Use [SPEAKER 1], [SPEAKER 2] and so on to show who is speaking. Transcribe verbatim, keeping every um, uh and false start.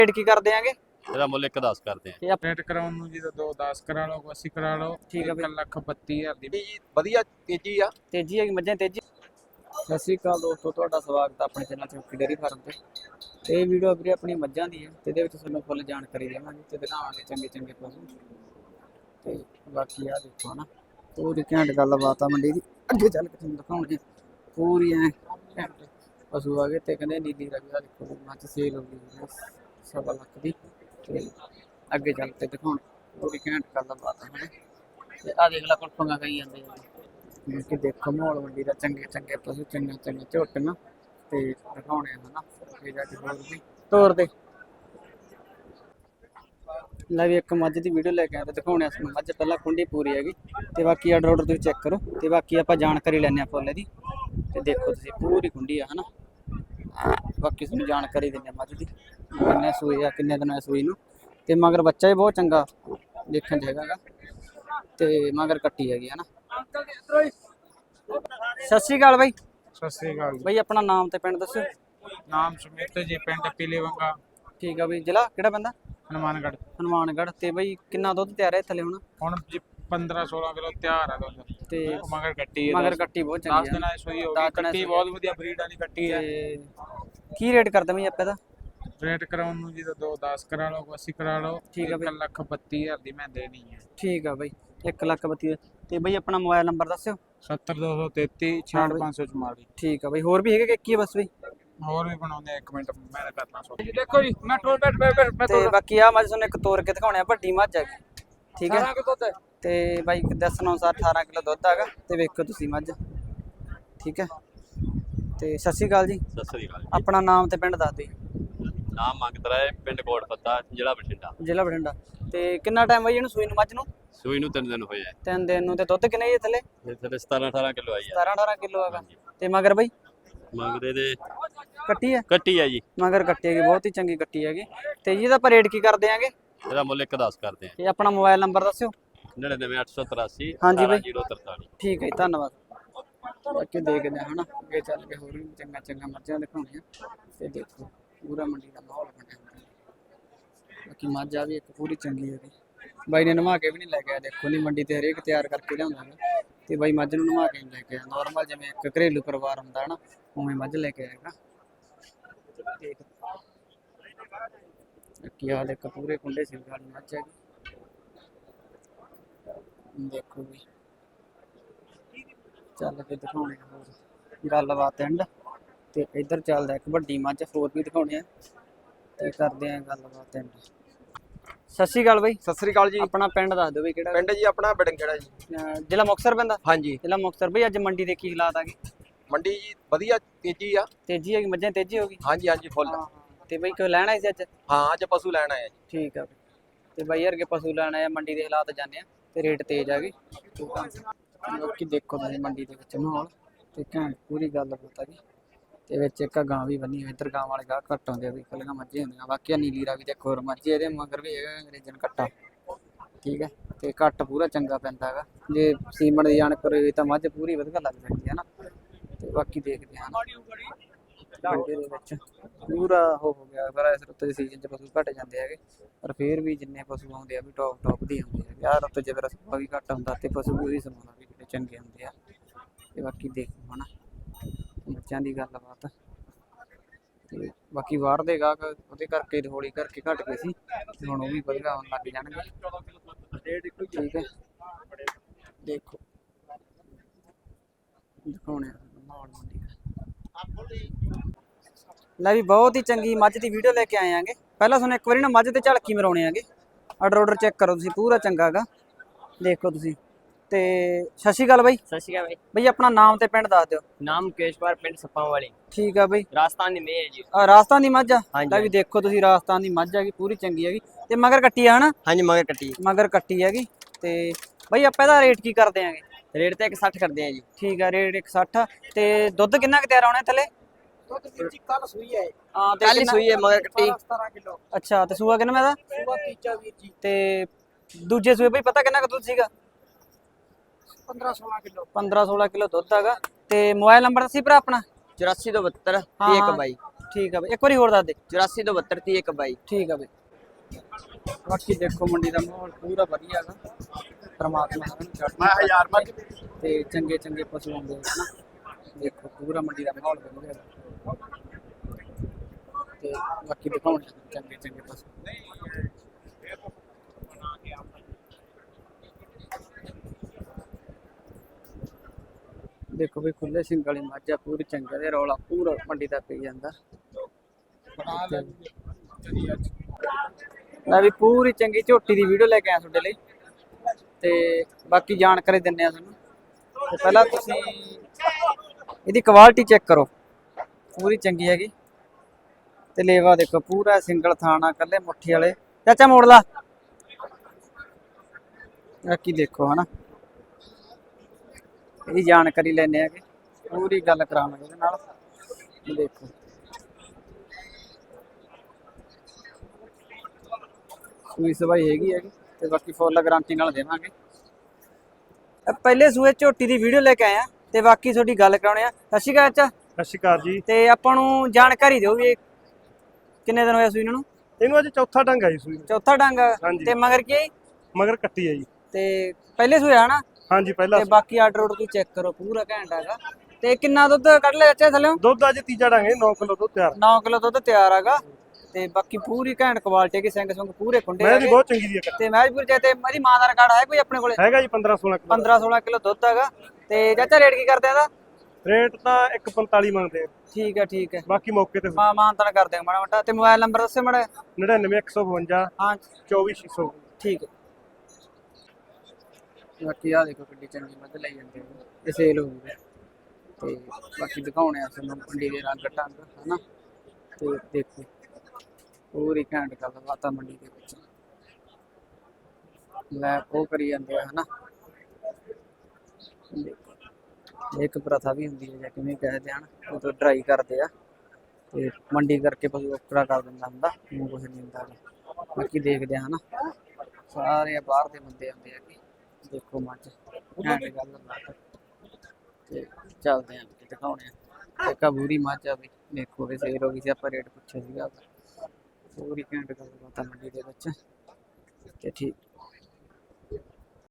[SPEAKER 1] Rate ਕੀ ਕਰ ਦਿਆਂਗੇ?
[SPEAKER 2] ਇਹਦਾ ਮੁੱਲ ਇੱਕ ਦਸ ਕਰਦੇ ਆ।
[SPEAKER 3] ਰੇਟ ਕਰਾਉਣ ਨੂੰ ਜੀ ਤਾਂ ਦੋ ਦਸ ਕਰਾ ਲਓ, ਅੱਸੀ ਕਰਾ ਲਓ।
[SPEAKER 1] ਠੀਕ ਹੈ ਬਈ।
[SPEAKER 3] ਇੱਕ ਲੱਖ ਬੱਤੀ ਹਜ਼ਾਰ ਦੀ
[SPEAKER 4] ਜੀ ਵਧੀਆ ਤੇਜ਼ੀ ਆ।
[SPEAKER 1] ਤੇਜ਼ੀ ਹੈਗੀ ਮੱਝਾਂ ਤੇਜ਼ੀ। ਸਤਿ ਸ਼੍ਰੀ ਅਕਾਲ ਦੋਸਤੋ, ਤੁਹਾਡਾ ਸਵਾਗਤ ਹੈ ਆਪਣੇ ਚੈਨਲ ਚੌਕੀ ਡੇਅਰੀ ਫਾਰਮ ਤੇ। ਇਹ ਵੀਡੀਓ ਵੀਰੇ ਆਪਣੀ ਮੱਝਾਂ ਦੀ ਹੈ ਤੇ ਇਹਦੇ ਵਿੱਚ ਤੁਹਾਨੂੰ ਫੁੱਲ ਜਾਣਕਾਰੀ ਦੇਵਾਂਗੇ ਤੇ ਦਿਖਾਵਾਂਗੇ ਚੰਗੇ ਚੰਗੇ ਪਸ਼ੂ। ਤੇ ਬਾਕੀ ਆ ਦੇਖੋ ਨਾ, ਪੂਰੀ ਘੈਂਟ ਗੱਲਬਾਤ ਆ ਮੰਡੀ ਦੀ। ਅੱਗੇ ਚੱਲ ਕੇ ਤੁਹਾਨੂੰ ਦਿਖਾਉਣਗੇ ਪੂਰੀ ਐ ਘੈਂਟ ਪਸ਼ੂ ਆ ਗਏ ਤੇ ਕਹਿੰਦੇ ਨੀਲੀ ਰਵੀ ਦਾ ਦੇਖੋ ਮੱਝ ਸੇਲ ਹੋ ਗਈ ਸਵਾ ਲੱਖ ਦੀ। ਤੇ ਅੱਗੇ ਚੱਲ ਕੇ ਦਿਖਾਉਣ ਪੂਰੀ ਘੈਂਟ ਗੱਲਬਾਤ ਹੈ। ਤੇ ਆ ਦੇਖ ਲਾ ਕੁਲਫੀਆਂ ਕਹੀ ਜਾਂਦੇ ਆ ਕਿ ਦੇਖੋ ਮਾਹੌਲ ਮੰਡੀ ਦਾ, ਚੰਗੇ ਚੰਗੇ ਪਸ਼ੂ ਚੰਗੇ ਚੰਗੇ ਝੋਟੀਆਂ ਤੇ ਦਿਖਾਉਣੇ ਹਨ ਨਾ। ਅੱਗੇ ਜਾ ਕੇ ਹੋਰ ਵੀ ਤੋਰ ਦੇ ਲੈ ਵੀ ਇੱਕ ਮੱਝ ਦੀ ਵੀਡੀਓ ਲੈ ਕੇ ਆਏ ਤੇ ਦਿਖਾਉਣੇ ਆ। ਮੱਝ ਪਹਿਲਾਂ ਕੁੰਡੀ ਪੂਰੀ ਹੈਗੀ ਤੇ ਬਾਕੀ ਆਰਡਰ ਆਰਡਰ ਤੁਸੀਂ ਚੈੱਕ ਕਰੋ ਤੇ ਬਾਕੀ ਆਪਾਂ ਜਾਣਕਾਰੀ ਲੈਣੇ ਆ ਫੁੱਲ ਦੀ। ਤੇ ਦੇਖੋ ਤੁਸੀਂ ਪੂਰੀ ਕੁੰਡੀ ਆ ਹਨਾ, ਬਾਕੀ ਤੁਹਾਨੂੰ ਜਾਣਕਾਰੀ ਦਿੰਦੇ ਆ ਮੱਝ ਦੀ ਕਿੰਨੇ ਸੂਈ ਆ, ਕਿੰਨੇ ਦਿਨ ਹੋਏ ਸੂਈ ਨੂੰ। ਤੇ ਮਗਰ ਬੱਚਾ ਵੀ ਬਹੁਤ ਚੰਗਾ ਦੇਖਣ ਚ ਹੈਗਾ ਤੇ ਮਗਰ ਕੱਟੀ ਹੈਗੀ ਹਨਾ। ਸਤਿ ਸ਼੍ਰੀ ਅਕਾਲ ਬਾਈ।
[SPEAKER 3] ਸਤਿ ਸ੍ਰੀ ਅਕਾਲ ਜੀ।
[SPEAKER 1] ਬਾਈ ਆਪਣਾ ਨਾਮ ਤੇ ਪਿੰਡ ਦੱਸੋ।
[SPEAKER 3] ਨਾਮ ਸੁਮਿਤ ਜੀ, ਪਿੰਡ ਪੀਲੇਵੰਗਾ,
[SPEAKER 1] ਠੀਕ ਆ ਬਈ। ਜ਼ਿਲ੍ਹਾ ਕਿਹੜਾ ਪੈਂਦਾ?
[SPEAKER 3] ਹਨੂਮਾਨਗੜ੍ਹ।
[SPEAKER 1] ਹਨੂਮਾਨਗੜ੍ਹ। ਤੇ ਬਈ ਕਿੰਨਾ ਦੁੱਧ ਤਿਆਰ ਹੈ ਥੱਲੇ ਹੁਣ?
[SPEAKER 3] ਹੁਣ ਜੀ ਪੰਦਰਾਂ ਸੋਲਾਂ ਕਿਲੋ ਤਿਆਰ ਆ ਦੁੱਧ।
[SPEAKER 1] ਤੇ
[SPEAKER 3] ਮਗਰ ਕੱਟੀ ਹੈ,
[SPEAKER 1] ਮਗਰ ਕੱਟੀ ਬਹੁਤ
[SPEAKER 3] ਦਸ
[SPEAKER 1] ਚੰਗੀ ਆ।
[SPEAKER 3] ਦਿਨਾਂ ਦੀ ਸੂਈ ਹੋ
[SPEAKER 1] ਦਸ
[SPEAKER 3] ਗਈ।
[SPEAKER 1] ਦਿਨਾਂ
[SPEAKER 3] ਕੱਟੀ
[SPEAKER 1] ਦੀ
[SPEAKER 3] ਬਹੁਤ ਵਧੀਆ ਬਰੀਡ ਵਾਲੀ ਕੱਟੀ ਹੈ।
[SPEAKER 1] ਤੇ ਕੀ ਰੇਟ ਕਰਦਾ ਬਈ ਆਪੇ ਦਾ?
[SPEAKER 3] ਰੇਟ ਕਰਾਉਣ ਨੂੰ ਜੀ ਤਾਂ ਦੋ ਦਸ ਕਰਾ ਲਓ, ਅੱਸੀ ਕਰਾ ਲਓ।
[SPEAKER 1] ਠੀਕ ਆ ਬਈ।
[SPEAKER 3] ਇੱਕ ਲੱਖ ਬੱਤੀ ਹਜ਼ਾਰ ਦੀ ਮੈਂ ਦੇਣੀ ਹੈ।
[SPEAKER 1] ਠੀਕ ਆ ਬਈ, ਇੱਕ ਲੱਖ ਬੱਤੀ। ਤੇ ਬਈ ਆਪਣਾ ਮੋਬਾਈਲ ਨੰਬਰ ਦੱਸਿਓ।
[SPEAKER 3] ਸੱਤਰ ਦੋ ਸੌ ਤੇਤੀ ਛਿਆਹਠ ਪੰਜ ਸੌ ਚੁਮਾਲੀ।
[SPEAKER 1] ਠੀਕ ਆ ਬਈ। ਹੋਰ ਵੀ ਹੈਗੇ ਕਿ ਇੱਕ ਹੀ ਆ ਬਸ ਬਈ?
[SPEAKER 3] ਹੋਰ ਵੀ ਬਣਾਉਂਦੇ ਆ, ਇੱਕ ਮਿੰਟ ਮੈਂ ਕਰਨਾ ਸੋ ਜੀ। ਦੇਖੋ ਜੀ ਮੈਂ ਟੋਲ ਬੈਠ ਬੈਠ ਮੈਂ
[SPEAKER 1] ਤੇ ਬਾਕੀ ਆ ਮੱਝ ਤੁਹਾਨੂੰ ਇੱਕ ਤੋਰ ਕੇ ਦਿਖਾਉਣੇ ਆ, ਵੱਡੀ ਮੱਝ ਹੈਗੀ ਠੀਕ ਹੈ। ਤੇ ਬਾਈ ਦੱਸਣ ਅਨੁਸਾਰ ਅਠਾਰਾਂ ਕਿਲੋ ਦੁੱਧ ਹੈਗਾ ਤੇ ਵੇਖੋ ਤੁਸੀਂ ਮੱਝ ਠੀਕ ਹੈ। ਤੇ ਸਤਿ ਸ਼੍ਰੀ ਅਕਾਲ ਜੀ।
[SPEAKER 2] ਸਤਿ ਸ੍ਰੀ ਅਕਾਲ।
[SPEAKER 1] ਆਪਣਾ ਨਾਮ ਤੇ ਪਿੰਡ ਦੱਸ ਦਿਓ।
[SPEAKER 2] ਨਾਮ ਮੰਗਤਰਾ ਹੈ, ਪਿੰਡ ਕੋਟ ਪੱਤਾ, ਜ਼ਿਲ੍ਹਾ ਬਠਿੰਡਾ।
[SPEAKER 1] ਜ਼ਿਲ੍ਹਾ ਬਠਿੰਡਾ। ਤੇ ਕਿੰਨਾ ਟਾਈਮ ਬਾਈ ਇਹਨੂੰ ਸੂਈ ਨੂੰ ਮੱਝ ਨੂੰ?
[SPEAKER 2] ਸੂਈ ਨੂੰ ਤਿੰਨ ਦਿਨ ਹੋਏ ਆ।
[SPEAKER 1] ਤਿੰਨ ਦਿਨ ਨੂੰ। ਤੇ ਦੁੱਧ ਕਿੰਨੇ ਜੀ ਥੱਲੇ?
[SPEAKER 2] ਇਹ ਥੱਲੇ ਸਤਾਰਾਂ ਅਠਾਰਾਂ ਕਿਲੋ ਆਈ ਆ।
[SPEAKER 1] ਸਤਾਰਾਂ ਅਠਾਰਾਂ ਕਿਲੋ ਹੈਗਾ। ਤੇ ਮਗਰ ਬਾਈ
[SPEAKER 2] ਮੰਗਦੇ ਦੇ
[SPEAKER 1] ਕੱਟੀ ਹੈ?
[SPEAKER 2] ਕੱਟੀ ਆ ਜੀ।
[SPEAKER 1] ਮਗਰ ਕੱਟੀ ਹੈਗੀ, ਬਹੁਤ ਹੀ ਚੰਗੀ ਕੱਟੀ ਹੈਗੀ। ਤੇ ਜੀ ਇਹਦਾ ਆਪਾਂ ਰੇਟ ਕੀ ਕਰ ਦਿਆਂਗੇ?
[SPEAKER 2] ਇਹਦਾ ਮੁੱਲ ਇੱਕ ਦਸ ਕਰਦੇ ਆ।
[SPEAKER 1] ਤੇ ਆਪਣਾ ਮੋਬਾਈਲ ਨੰਬਰ ਦੱਸਿਓ।
[SPEAKER 2] ਨੜਿਨਵੇਂ ਅੱਠ ਸੌ ਤਰਾਸੀ
[SPEAKER 1] ਹਾਂਜੀ ਬਾਈ।
[SPEAKER 2] ਜ਼ੀਰੋ ਤਰਤਾਲੀ।
[SPEAKER 1] ਠੀਕ ਹੈ ਜੀ, ਧੰਨਵਾਦ। ਬਾਕੀ ਦੇਖਦੇ ਹਾਂ ਹਨਾ, ਅੱਗੇ ਚੱਲ ਕੇ ਹੋਰ ਵੀ ਚੰਗਾ ਚੰਗਾ ਮੱਝਾਂ ਦਿਖਾਉਣੀਆਂ। ਤੇ ਦੇਖੋ ਪੂਰਾ ਮੰਡੀ ਦਾ ਮਾਹੌਲ ਬਣਿਆ ਹੋਇਆ। ਬਾਕੀ ਮੱਝ ਆ ਵੀ ਇੱਕ ਪੂਰੀ ਚੰਗੀ ਹੈਗੀ। ਬਾਈ ਨੇ ਨਵਾ ਕੇ ਵੀ ਨਹੀਂ ਲੈ ਕੇ ਆਇਆ, ਦੇਖੋ ਨਹੀਂ ਮੰਡੀ ਤੇ ਹਰੇਕ ਤਿਆਰ ਕਰਕੇ ਲਿਆਉਂਦਾ ਹੈ। ਤੇ ਬਾਈ ਮੱਝ ਨੂੰ ਨਵਾ ਕੇ ਨਹੀਂ ਲੈ ਕੇ ਆਇਆ, ਨੋਰਮਲ ਜਿਵੇਂ ਇੱਕ ਘਰੇਲੂ ਪਰਿਵਾਰ ਹੁੰਦਾ ਹੈ ਨਾ, ਉਵੇਂ ਮੱਝ ਲੈ ਕੇ ਆਏਗਾ। ਦੇਖ ਬਾਕੀ ਆ ਦੇਖੋ ਪੂਰੇ ਕੁੰਡੇ ਸਿੰਘ ਵਾਲੀ ਮੱਝ ਹੈਗੀ। ਦੇਖੋ ਵੀ ਚੱਲ ਕੇ ਦਿਖਾਉਣੇ ਹੋਰ ਗੱਲਬਾਤ ਐਂਡ। ਤੇ ਇੱਧਰ ਚੱਲਦਾ ਇੱਕ ਵੱਡੀ ਮੱਝ ਹੋਰ ਵੀ ਦਿਖਾਉਣੇ ਆ ਤੇ ਕਰਦੇ ਆ ਗੱਲਬਾਤ ਐਂਡ। ਸਤਿ ਸ਼੍ਰੀ ਅਕਾਲ ਬਾਈ।
[SPEAKER 4] ਸਤਿ ਸ੍ਰੀ ਅਕਾਲ ਜੀ।
[SPEAKER 1] ਆਪਣਾ ਪਿੰਡ ਦੱਸ ਦਿਓ ਬਈ ਕਿਹੜਾ?
[SPEAKER 4] ਪਿੰਡ ਜੀ ਆਪਣਾ ਬਡੰਗੇੜਾ ਜੀ।
[SPEAKER 1] ਅਹ ਜ਼ਿਲ੍ਹਾ ਮੁਕਤਸਰ ਪੈਂਦਾ?
[SPEAKER 4] ਹਾਂਜੀ।
[SPEAKER 1] ਜ਼ਿਲ੍ਹਾ ਮੁਕਤਸਰ। ਬਈ ਅੱਜ ਮੰਡੀ ਦੇ ਕੀ ਹਾਲਾਤ ਆ ਗਏ?
[SPEAKER 4] ਮੰਡੀ ਜੀ ਵਧੀਆ ਤੇਜ਼ੀ ਆ।
[SPEAKER 1] ਤੇਜ਼ੀ ਹੈਗੀ, ਮੱਝਾਂ ਤੇਜ਼ੀ ਹੋ ਗਈ?
[SPEAKER 4] ਹਾਂਜੀ ਹਾਂਜੀ ਫੁੱਲ।
[SPEAKER 1] ਹਾਂ। ਤੇ ਬਈ ਕੋਈ ਲੈਣਾ ਸੀ ਅੱਜ?
[SPEAKER 4] ਹਾਂ ਅੱਜ ਪਸ਼ੂ ਲੈਣ ਆਇਆ ਜੀ।
[SPEAKER 1] ਠੀਕ ਆ ਬਈ। ਤੇ ਬਾਈ ਯਾਰ ਕੇ ਪਸ਼ੂ ਲੈਣ ਆਇਆ, ਮੰਡੀ ਦੇ ਹਾਲਾਤ ਜਾਣੇ ਆ ਤੇ ਰੇਟ ਤੇਜ਼ ਆ ਗਏ। ਬਾਕੀ ਦੇਖੋ ਤੁਸੀਂ ਮੰਡੀ ਦੇ ਵਿੱਚ ਮਾਹੌਲ ਤੇ ਘੈਂਟ ਪੂਰੀ ਗੱਲਬਾਤ ਆ ਗਈ। ਤੇ ਵਿੱਚ ਇੱਕ ਗਾਂ ਵੀ ਬੰਨੀ ਹੋਈ, ਇੱਧਰ ਗਾਂ ਵਾਲੇ ਗਾਹ ਘੱਟ ਆਉਂਦੇ ਆ, ਵੀ ਕੱਲੀਆਂ ਮੱਝਾਂ ਹੁੰਦੀਆਂ। ਬਾਕੀ ਨੀਲੀ ਰਾਵੀ ਦੇਖੋ ਹੋਰ ਮੱਝੀ, ਇਹਦੇ ਮਗਰ ਵੀ ਹੈਗਾ ਅੰਗਰੇਜ਼ਨ ਕੱਟਾ ਠੀਕ ਹੈ। ਤੇ ਕੱਟ ਪੂਰਾ ਚੰਗਾ ਪੈਂਦਾ ਹੈਗਾ, ਜੇ ਸੀਮਣ ਦੀ ਜਾਣਕਾਰੀ ਹੋਈ ਤਾਂ ਮੱਝ ਪੂਰੀ ਵਧੀਆ ਲੱਗ ਜਾਂਦੀ ਹੈ ਨਾ। ਤੇ ਬਾਕੀ ਦੇਖਦੇ ਹਾਂ ਮੰਡੀ ਦੇ ਵਿੱਚ ਪੂਰਾ ਹੋ ਹੋ ਗਿਆ ਪਰ ਇਸ ਰੁੱਤ ਦੇ ਸੀਜ਼ਨ 'ਚ ਪਸ਼ੂ ਘੱਟ ਜਾਂਦੇ ਹੈਗੇ, ਪਰ ਫਿਰ ਵੀ ਜਿੰਨੇ ਪਸ਼ੂ ਆਉਂਦੇ ਆ ਵੀ ਟੌਪ ਟੌਪ ਦੇ ਆਉਂਦੇ ਹੈਗੇ। ਆਹ ਰੁੱਤ 'ਚ ਫਿਰ ਸੁਭਾਅ ਵੀ ਘੱਟ ਹੁੰਦਾ ਤੇ ਪਸ਼ੂ ਵੀ ਉਹਦੀ ਸਮਾਉਣਾ ਵੀ ਕਿਤੇ ਚੰਗੇ ਹੁੰਦੇ ਆ। ਤੇ ਬਾਕੀ ਦੇਖੋ ਹਨਾ ਬੱਚਿਆਂ ਦੀ ਗੱਲਬਾਤ। ਤੇ ਬਾਕੀ ਬਾਹਰ ਦੇ ਗਾਹਕ ਉਹਦੇ ਕਰਕੇ ਹੌਲੀ ਕਰਕੇ ਘੱਟ ਗਏ ਸੀ, ਹੁਣ ਉਹ ਵੀ ਵਧੀਆ ਆਉਣ ਲੱਗ ਜਾਣਗੇ ਠੀਕ ਹੈ। ਦੇਖੋ ਦਿਖਾਉਣੇ ਆ ਮਾਹੌਲ ਮੰਡੀ ਦਾ। ਲੈ ਵੀ ਬਹੁਤ ਹੀ ਚੰਗੀ ਮੱਝ ਦੀ ਵੀਡੀਓ ਲੈ ਕੇ ਆਏ ਆਂਗੇ। ਪਹਿਲਾਂ ਤੁਹਾਨੂੰ ਇੱਕ ਵਾਰੀ ਨਾ ਮੱਝ ਤੇ ਝਲਕੀ ਮਰਾਉਣੇ ਆਂਗੇ। ਆਰਡਰ ਆਰਡਰ ਚੈੱਕ ਕਰੋ ਤੁਸੀਂ, ਪੂਰਾ ਚੰਗਾ ਹੈਗਾ ਦੇਖੋ ਤੁਸੀਂ। ਤੇ ਸਤਿ ਸ਼੍ਰੀ ਅਕਾਲ ਬਾਈ।
[SPEAKER 5] सत श्रीकाल भाई।
[SPEAKER 1] ਬਈ ਆਪਣਾ ਨਾਮ ਤੇ ਪਿੰਡ ਦੱਸ ਦਿਓ।
[SPEAKER 5] नाम केशवार पिंड सप्पा वाली
[SPEAKER 1] ਠੀਕ ਆ ਬਈ।
[SPEAKER 5] राजस्थान में है जी।
[SPEAKER 1] ਆ ਰਾਜਸਥਾਨ ਦੀ ਮੱਝ ਆ?
[SPEAKER 5] ਹਾਂਜੀ,
[SPEAKER 1] ਲੈ ਵੀ ਦੇਖੋ ਤੁਸੀਂ ਰਾਜਸਥਾਨ ਦੀ ਮੱਝ ਹੈਗੀ, ਪੂਰੀ ਚੰਗੀ ਹੈਗੀ। ਤੇ ਮਗਰ ਕੱਟੀ ਆ ਹਨਾ?
[SPEAKER 5] हाँ जी मगर कटी
[SPEAKER 1] ਮਗਰ ਕੱਟੀ ਹੈਗੀ। ਤੇ ਬਈ ਆਪਾਂ ਇਹਦਾ ਰੇਟ ਕੀ ਕਰਦੇ ਆਂਗੇ?
[SPEAKER 5] रेट तो एक सठ करते हैं जी।
[SPEAKER 1] ਠੀਕ ਆ, ਰੇਟ ਇੱਕ ਸੱਠ। ਤੇ ਦੁੱਧ ਕਿੰਨਾ ਕੁ ਤਿਆਰ ਆਉਣਾ ਥੱਲੇ?
[SPEAKER 4] ਦੁੱਧ ਜੀ ਕੱਲ ਸੂਈ ਹੈ।
[SPEAKER 1] ਹਾਂ ਤੇ
[SPEAKER 5] पहली
[SPEAKER 1] ਕਿੰਨਾ?
[SPEAKER 5] सुई है मगर कटी।
[SPEAKER 4] ਸਤਾਰਾਂ ਕਿਲੋ।
[SPEAKER 1] ਅੱਛਾ ਤੇ ਸੂਆ ਕਿੰਨਾ ਦਾ?
[SPEAKER 4] ਸੂਆ ਤੀਜਾ ਵੀਰ ਜੀ।
[SPEAKER 1] ਤੇ ਦੂਜੇ ਸੂਏ ਬਈ ਪਤਾ ਕਿੰਨਾ ਕੁ ਦੁੱਧ ਸੀਗਾ?
[SPEAKER 4] ਪੰਦਰਾਂ ਸੋਲਾਂ ਕਿਲੋ।
[SPEAKER 1] ਪੰਦਰਾਂ ਸੋਲਾਂ ਕਿਲੋ ਦੁੱਧ ਹੈਗਾ। ਤੇ ਮੋਬਾਈਲ ਨੰਬਰ ਦੱਸੀ ਭਰਾ ਆਪਣਾ।
[SPEAKER 5] चौरासी दो बहत्तर
[SPEAKER 1] हाँ,
[SPEAKER 5] एक
[SPEAKER 1] हाँ।
[SPEAKER 5] बाई।
[SPEAKER 1] ਠੀਕ ਆ ਬਈ ਇੱਕ ਵਾਰੀ ਹੋਰ ਦੱਸ ਦੇ
[SPEAKER 5] ਚੁਰਾਸੀ ਤੋਂ ਬਹੱਤਰ ਤੀਹ ਇੱਕ ਬਾਈ।
[SPEAKER 1] ਠੀਕ ਆ ਬਈ। ਬਾਕੀ ਦੇਖੋ ਮੰਡੀ ਦਾ ਮਾਹੌਲ ਪੂਰਾ ਵਧੀਆ ਹੈਗਾ। ਪਰਮਾਤਮਾ ਸਭ ਨੂੰ ਚੜ੍ਹਦੀ ਕਲਾ ਰੱਖੇ ਤੇ ਚੰਗੇ ਚੰਗੇ ਪਸ਼ੂ ਆਉਂਦੇ ਨੇ ਨਾ। ਦੇਖੋ ਪੂਰਾ ਮੰਡੀ ਦਾ ਮਾਹੌਲ ਵਧੀਆ ਹੈਗਾ ਤੇ ਬਾਕੀ ਦਿਖਾਉਣੇ ਚੰਗੇ ਚੰਗੇ ਪਸ਼ੂ। ਦੇਖੋ ਵੀ ਖੁੱਲੇ ਸਿੰਘ ਵਾਲੀ ਮੱਝ ਆ ਪੂਰੀ ਚੰਗੇ ਦੇ ਰੌਲਾ ਪੂਰਾ ਮੰਡੀ ਦਾ ਪਈ ਜਾਂਦਾ। ਮੈਂ ਵੀ ਪੂਰੀ ਚੰਗੀ ਝੋਟੀ ਦੀ ਵੀਡੀਓ ਲੈ ਕੇ ਆਇਆ ਤੁਹਾਡੇ ਲਈ ਤੇ ਬਾਕੀ ਜਾਣਕਾਰੀ ਦਿੰਨੇ ਆ ਤੁਹਾਨੂੰ। ਤੇ ਪਹਿਲਾਂ ਤੁਸੀਂ ਇਹਦੀ ਕੁਆਲਿਟੀ ਚੈੱਕ ਕਰੋ ਪੂਰੀ ਚੰਗੀ ਹੈਗੀ ਤੇ ਲੇਵਾ ਦੇਖੋ ਪੂਰਾ ਸਿੰਗਲ ਥਾਣਾ ਕੱਲੇ ਮੁੱਠੀ ਵਾਲੇ। ਚਾਚਾ ਮੋੜ ਲਾ ਬਾਕੀ ਦੇਖੋ ਹਨਾ ਇਹਦੀ ਜਾਣਕਾਰੀ ਲੈਣੇ ਆਗੇ ਪੂਰੀ ਗੱਲ ਕਰਾਵਾਂਗੇ ਇਹਦੇ ਨਾਲ। ਦੇਖੋ ਸੂਈ ਸਵਾਈ ਹੈਗੀ ਹੈਗੀ ਤੇ ਬਾਕੀ ਫੁੱਲ ਗਾਰੰਟੀ ਨਾਲ ਦੇਵਾਂਗੇ। ਪਹਿਲੇ ਸੂਏ ਝੋਟੀ ਦੀ ਵੀਡੀਓ ਲੈ ਕੇ ਆਏ ਆ ਤੇ ਬਾਕੀ ਤੁਹਾਡੀ ਗੱਲ ਕਰਾਉਣੇ ਆ। ਸਤਿ ਸ਼੍ਰੀ ਅਕਾਲ ਚਾਚਾ।
[SPEAKER 6] ਸਤਿ ਸ਼੍ਰੀ ਅਕਾਲ ਜੀ।
[SPEAKER 1] ਤੇ ਆਪਾਂ ਨੂੰ ਜਾਣਕਾਰੀ ਦਿਓ ਵੀ ਇਹ ਕਿੰਨੇ ਦਿਨ ਹੋਏ ਸੂਈ ਨੂੰ?
[SPEAKER 6] ਇਹਨੂੰ ਅੱਜ ਚੌਥਾ ਡੰਗ ਆਈ ਸੂਈ ਨੂੰ।
[SPEAKER 1] ਚੌਥਾ ਡੰਗ
[SPEAKER 6] ਹਾਂਜੀ।
[SPEAKER 1] ਤੇ ਮਗਰ ਕੀ ਹੈ ਜੀ?
[SPEAKER 6] ਮਗਰ ਕੱਟੀ ਹੈ ਜੀ।
[SPEAKER 1] ਤੇ ਪਹਿਲੇ ਸੂਏ ਹਨਾ?
[SPEAKER 6] ਹਾਂਜੀ ਪਹਿਲਾ
[SPEAKER 1] ਤੇ ਬਾਕੀ ਆਰਡਰ ਆਰਡਰ ਤੁਸੀਂ ਚੈੱਕ ਕਰੋ ਪੂਰਾ ਘੈਂਟ ਹੈਗਾ। ਤੇ ਕਿੰਨਾ ਦੁੱਧ ਕੱਢ ਲਿਆ ਚਾਚਾ ਥੱਲੇ?
[SPEAKER 6] ਦੁੱਧ ਅੱਜ ਤੀਜਾ ਡੰਗ ਹੈ ਨੌ ਕਿਲੋ ਦੁੱਧ ਤਿਆਰ।
[SPEAKER 1] ਨੌ ਕਿਲੋ ਦੁੱਧ ਤਿਆਰ ਹੈਗਾ ਤੇ ਬਾਕੀ ਪੂਰੀ ਘੈਂਟ ਕੁਆਲਿਟੀ ਹੈਗੀ। ਸਿੰਘ ਸਿੰਘ ਪੂਰੇ ਖੁੰਡੇ
[SPEAKER 6] ਮੈਂ ਦੀ ਬਹੁਤ ਚੰਗੀ ਦੀ ਹੈ।
[SPEAKER 1] ਤੇ ਮਹਿਜਪੁਰ ਚ ਤੇ ਇਹਦੀ ਮਾਂ ਦਾ ਰਿਕਾਰਡ ਹੈ ਕੋਈ ਆਪਣੇ ਕੋਲੇ?
[SPEAKER 6] ਹੈਗਾ ਜੀ ਪੰਦਰਾਂ ਸੋਲਾਂ ਕਿਲੋ।
[SPEAKER 1] ਪੰਦਰਾਂ ਸੋਲਾਂ ਕਿਲੋ ਦੁੱਧ ਹੈਗਾ। ਤੇ ਚਾਚਾ ਰੇਟ ਕੀ ਕਰਦੇ ਆ ਇਹਦਾ?
[SPEAKER 6] ਰੇਟ ਤਾਂ ਇੱਕ ਪੰਤਾਲੀ ਮੰਗਦੇ ਆ।
[SPEAKER 1] ਠੀਕ ਹੈ ਠੀਕ ਹੈ।
[SPEAKER 6] ਬਾਕੀ ਮੌਕੇ ਤੇ
[SPEAKER 1] ਮਾਂ ਮਾਨਤਨ ਕਰਦੇ ਆ ਮਾੜਾ ਮੋਟਾ। ਤੇ ਮੋਬਾਈਲ ਨੰਬਰ ਦੱਸਿਓ ਮਾੜਾ।
[SPEAKER 6] ਨੜਿਨਵੇਂ ਇੱਕ ਸੌ ਬਵੰਜਾ
[SPEAKER 1] ਹਾਂ
[SPEAKER 6] ਚੌਵੀ ਛੇ ਸੌ।
[SPEAKER 1] ਠੀਕ ਹੈ। ਬਾਕੀ ਆ ਦੇਖੋ ਕਿੱਡੀ ਚੰਗੀ ਮੱਝ ਲਈ ਜਾਂਦੇ ਆ ਇਹ ਸੇਲ ਹੋ ਗਈ ਤੇ ਬਾਕੀ ਦਿਖਾਉਣੇ ਆ ਤੁਹਾਨੂੰ ਮੰਡੀ ਦੇ ਰੰਗ ਢੰਗ ਹਨਾ। ਤੇ ਦੇਖੋ ਪੂਰੀ ਘੈਂਟ ਗੱਲਬਾਤ ਆ ਮੰਡੀ ਦੇ ਵਿੱਚ ਲੈ ਉਹ ਕਰੀ ਜਾਂਦੇ ਆ ਹਨਾ। ਦੇਖੋ ਇੱਕ ਪ੍ਰਥਾ ਵੀ ਹੁੰਦੀ ਹੈ ਜਾਂ ਕਿਵੇਂ ਕਹਿੰਦੇ ਹਨ ਉਹ ਤੋਂ ਡਰਾਈ ਕਰਦੇ ਆ ਤੇ ਮੰਡੀ ਕਰਕੇ ਪਸ਼ੂ ਔਕੜਾ ਕਰ ਦਿੰਦਾ ਹੁੰਦਾ ਨੂੰ ਕੁਛ ਨਹੀਂ ਹੁੰਦਾ। ਬਾਕੀ ਦੇਖਦੇ ਆ ਹਨਾ ਸਾਰੇ ਬਾਹਰ ਦੇ ਬੰਦੇ ਆਉਂਦੇ ਆ ਕਿ ਦੇਖੋ ਮੱਝ ਘੈਂਟ ਗੱਲਬਾਤ ਤੇ ਚੱਲਦੇ ਆ ਦਿਖਾਉਣੇ ਆ। ਇੱਕ ਬੂਰੀ ਮੱਝ ਆ ਵੀ ਦੇਖੋ ਵੀ ਸੇਲ ਹੋ ਗਈ ਸੀ ਆਪਾਂ ਰੇਟ ਪੁੱਛਿਆ ਸੀਗਾ ਪੂਰੀ ਘੈਂਟ ਗੱਲਬਾਤ ਆ ਮੰਡੀ ਦੇ ਵਿੱਚ ਤੇ ਠੀਕ।